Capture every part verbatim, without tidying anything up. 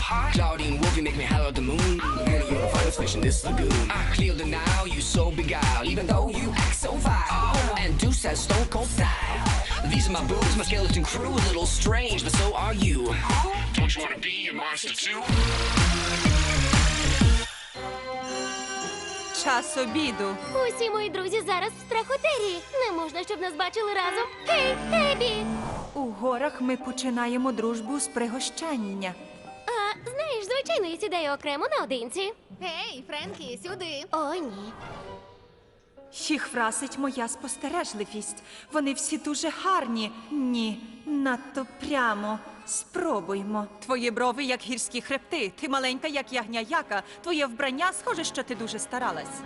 heart. Claudine Wolf, you make me holler at the moon. Really, you're the finest fish in this lagoon. I clear the now, you so beguiled, even though you act so vile. And Deuce has stone cold style. These are my boobs, my skeleton crew, a little strange, but so are you. Don't you wanna be a monster too? Час обіду. Усі мої друзі зараз в страхотерії. Не можна, щоб нас бачили разом. Гей, Ебі! У горах ми починаємо дружбу з пригощання. А, знаєш, звичайно, я сідаю окремо наодинці. Гей, Френкі, сюди. О, ні. Їх вразить моя спостережливість. Вони всі дуже гарні. Ні, надто прямо. Спробуймо. Твої брови, як гірські хребти. Ти маленька, як ягня яка. Твоє вбрання схоже, що ти дуже старалась.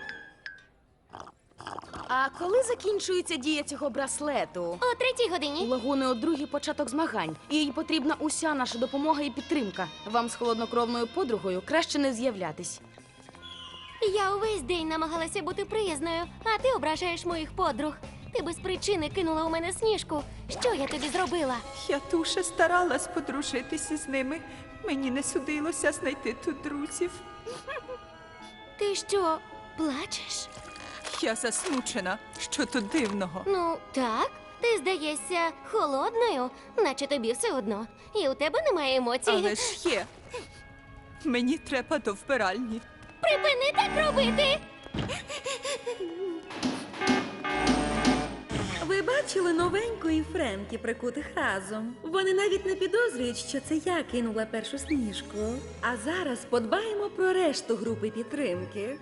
А коли закінчується дія цього браслету? О третій У годині. Лагуни о другій початок змагань. І їй потрібна уся наша допомога і підтримка. Вам з холоднокровною подругою краще не з'являтись. Я увесь день намагалася бути приязною, а ти ображаєш моїх подруг. Ти без причини кинула у мене Сніжку. Що я тобі зробила? Я дуже старалась подружитися з ними. Мені не судилося знайти тут друзів. Ти що, плачеш? Я засмучена. Що тут дивного? Ну, так. Ти здаєшся холодною, наче тобі все одно. І у тебе немає емоцій. Але ж є. Мені треба до вбиральні. Припини так робити! Ви бачили новенької Френкі прикутих разом? Вони навіть не підозрюють, що це я кинула першу Сніжку. А зараз подбаємо про решту групи підтримки.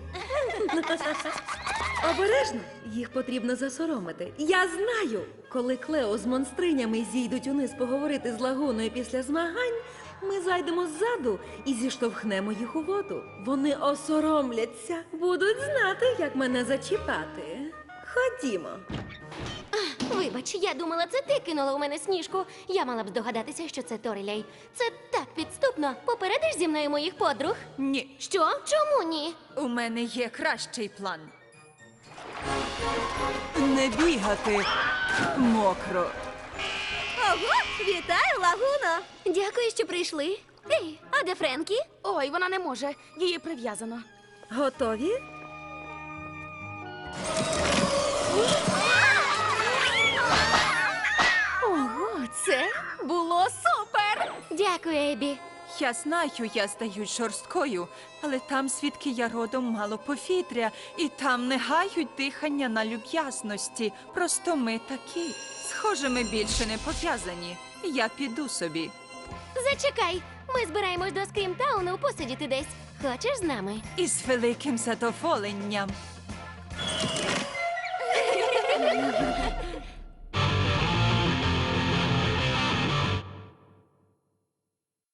Обережно, їх потрібно засоромити. Я знаю, коли Клео з монстринями зійдуть униз поговорити з Лагуною після змагань, ми зайдемо ззаду і зіштовхнемо їх у воду. Вони осоромляться, будуть знати, як мене зачіпати. Ходімо. Вибач, я думала, це ти кинула у мене Сніжку. Я мала б здогадатися, що це Торілей. Це так підступно. Попередиш зі мною моїх подруг? Ні, Що? Чому ні? у мене є кращий план. Не бігати мокро. Ого, вітаю, Лагуно! Дякую, що прийшли. Ей, а де Френкі? Ой, вона не може. Її прив'язано. Готові? Ого, це було супер! Дякую, Ебі. Я знаю, я здаюсь жорсткою, але там, звідки я родом, мало повітря, і там не гають дихання на люб'язності. Просто ми такі. Схоже, ми більше не пов'язані. Я піду собі. Зачекай, ми збираємось до Скрімтауну посидіти десь. Хочеш з нами? Із великим задоволенням.